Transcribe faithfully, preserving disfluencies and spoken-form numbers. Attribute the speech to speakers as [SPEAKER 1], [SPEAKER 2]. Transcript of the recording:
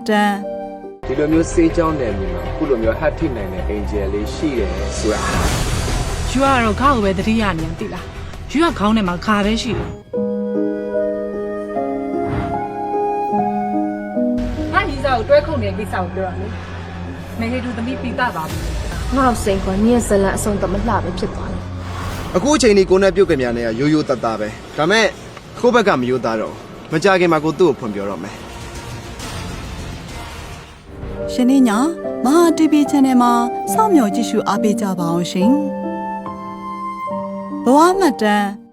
[SPEAKER 1] တန်
[SPEAKER 2] ဒီလိုမျိုးစေးကြောင်းနယ်မြေမှာခုလိုမျိုးဟတ်ထိနိုင်တဲ့အင်ဂျယ်လေးရှိတယ်ဆိုတာ
[SPEAKER 3] ယူကတော့ခေါင်းပဲတတိယနေတိလားယူကခေါင်းထဲမှာခါပဲရှိတယ်ဟာညီစာကိုတွဲခုန်တဲ့ကိစ္စကိုပြောရလေမဟေတူသမီးပိတာပါဘူး
[SPEAKER 4] ငါ့စိန်ကညက်ဇလန်အဆုံးတော့မလှပဲဖြစ်သွားတယ်
[SPEAKER 5] အခုအချိန်ဒီကိုနဲ့ပြုတ်ကြများနေရရိုးရိုးတတ်တာပဲဒါမဲ့ကိုယ့်ဘက်ကမရိုးသားတော့မကြခင်မှာကိုသူ့ကိုဖွင့်ပြောတော့မယ်
[SPEAKER 1] ရှင်နေညာမဟာ တီ ဗီ Channel မှာစောင့်မျှော်ကြည့်ရှုအားပေးကြပါအောင်ရှင်ဘဝမှတ်တမ်း